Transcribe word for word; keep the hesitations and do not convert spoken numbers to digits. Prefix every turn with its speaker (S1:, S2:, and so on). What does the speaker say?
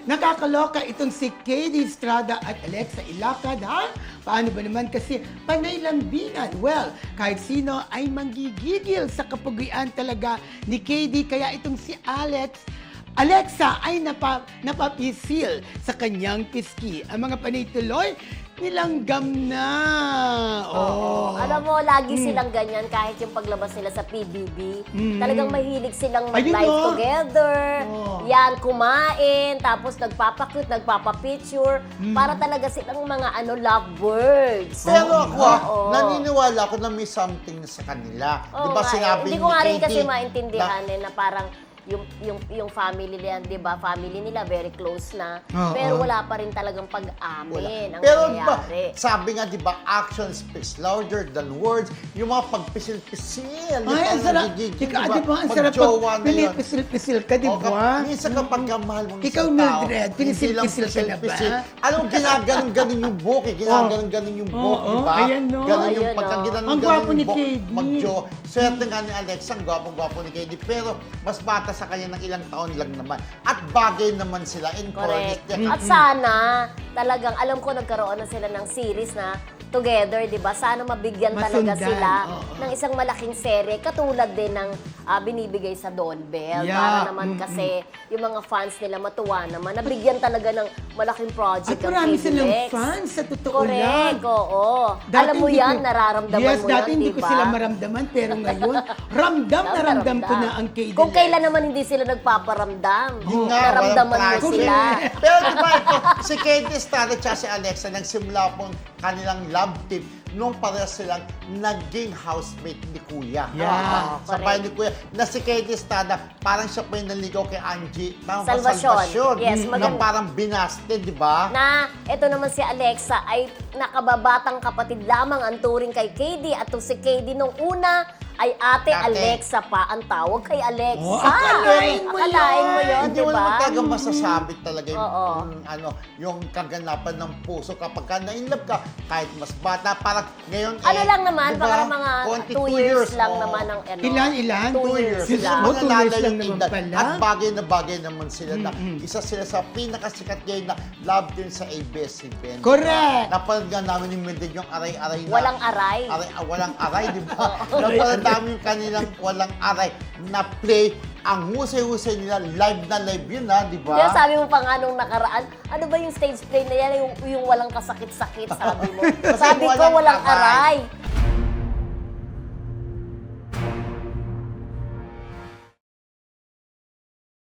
S1: nakakaloka itong si Katie Estrada at Alexa Ilacad, ha? Paano ba naman kasi panay lambingan? Well, kahit sino ay manggigigil sa kapugian talaga ni Katie, kaya itong si Alex Alexa ay napa, napapisil sa kanyang piski. Ang mga panay tuloy, nilanggam na. Oh.
S2: Alam mo, lagi silang ganyan kahit yung paglabas nila sa P B B.
S1: Mm.
S2: Talagang mahilig silang
S1: Ayun,
S2: mag-live
S1: no?
S2: together.
S1: Oh.
S2: Yan, kumain, tapos nagpapakute, nagpapapicture. Para talaga silang mga ano lovebirds.
S3: Pero ako, ah,
S2: Oo.
S3: naniniwala ako na may something sa kanila.
S2: Oo
S3: Di ba
S2: nga,
S3: sinabi
S2: eh. Hindi
S3: ni
S2: ko nga rin
S3: Katie
S2: kasi maintindihan
S3: na-
S2: eh, na parang yung yung yung family nila, 'di ba? Family nila very close na.
S1: Oo.
S2: Pero wala pa rin talagang
S3: Wala.
S2: pag-amin ang
S3: Pero ba,
S2: nangyayari.
S3: sabi nga, di ba, action speaks louder than words. Yung mga pagpisil-pisil.
S1: Ay, ang sarap. Ikaw, di ba, ang sarap pag pinipisil-pisil ka, di
S3: O,
S1: ba?
S3: minsan kapag ka mahal mong
S1: Ikaw,
S3: isang tao,
S1: Mildred,
S3: hindi
S1: pinisil-pisil
S3: lang
S1: ka na ba?
S3: pisil-pisil. Alam mo, ginaganon-ganon yung buhok eh. Ginaganon-ganon yung buhok,
S1: Oo,
S3: di ba?
S1: ayan, no?
S3: Ganon yung
S2: Ayun,
S3: pagka
S2: no?
S3: ginanon
S1: Ang gwapo ni
S3: buhok,
S1: Katie.
S3: mag-jo. Swerte nga ni Alexa, ang gwapong-gwapo ni Katie. Pero mas bata sa kanya ng ilang taon lang naman. At bagay naman sila in fairness.
S2: Correct. At sana, talagang, alam ko nagkaroon na sila ng series na together, di ba? Sana mabigyan talaga
S1: Masundan,
S2: sila
S1: oo.
S2: ng isang malaking serye, katulad din ng ah, binibigay sa Don Bell.
S1: Yeah,
S2: Para naman
S1: mm-mm.
S2: kasi yung mga fans nila matuwa naman, nabigyan talaga ng malaking project
S1: At
S2: ang
S1: marami
S2: K D
S1: silang
S2: Lex.
S1: fans, sa totoo
S2: Correct,
S1: lang.
S2: oo.
S1: Dati
S2: Alam mo
S1: hindi
S2: yan,
S1: ko-
S2: nararamdaman
S1: yes,
S2: mo
S1: dati
S2: yan,
S1: hindi
S2: di
S1: ko
S2: ba?
S1: sila maramdaman, pero ngayon, ramdam na ramdam ko na ang Katie.
S2: Kung kailan naman hindi sila nagpaparamdam,
S3: Yun nga,
S2: naramdaman
S3: walang
S2: mo
S3: traffic.
S2: sila.
S3: Pero di ba ito, si Katie Estrada at si Alexa, nagsimula pong kanilang love team nung parehas silang naging housemate ni Kuya.
S1: Yeah.
S3: Ah, sa
S2: Correct.
S3: bahay ni Kuya. Na si Katie Estrada, parang siya po yung naligaw kay Angie. Tama ba?
S2: Salvacion.
S3: Salvacion.
S2: Yes,
S3: Na
S2: maganda.
S3: parang binaste, di ba?
S2: Na ito naman si Alexa ay nakababatang kapatid lamang ang turing kay K D at to si K D nung una ay Ate,
S3: Ate.
S2: Alexa pa ang tawag kay Alexa.
S1: Oh, akalain mo
S2: Akalain mo
S1: yun.
S2: yun,
S3: Hindi
S2: di
S3: mo
S2: ba?
S3: naman talaga masasabi talaga yung,
S2: Oo.
S3: yung, ano, yung kaganapan ng puso kapag ka na-inlove ka, kahit mas bata, parang ngayon
S2: Ano
S3: eh,
S2: lang naman,
S3: di ba?
S2: baka mga
S3: twenty-two
S2: two years lang
S3: oo.
S2: naman ang ano.
S1: Ilan, ilan?
S2: Two
S3: Two
S2: years
S3: years.
S1: Diyos
S2: lang.
S1: mo,
S3: Mga
S1: two years
S3: lalo
S1: lang
S3: yung
S1: naman
S3: edad.
S1: pala.
S3: At bagay na bagay naman sila na isa sila sa pinakasikat ngayon na love team sa A B S C B N.
S1: Correct.
S3: Napanood nga namin ni Mildred yung aray-aray na.
S2: Walang aray.
S3: aray ah, walang aray, di ba? Napanood namin yung kanilang walang aray na play. Ang husay-husay nila, live na live yun ha, di ba?
S2: Kaya sabi mo pa nga nung nakaraan, ano ba yung stage play na yan, yung, yung walang kasakit-sakit, sabi mo.
S3: Kasi
S2: sabi ko,
S3: walang
S2: walang
S3: aray.
S2: aray.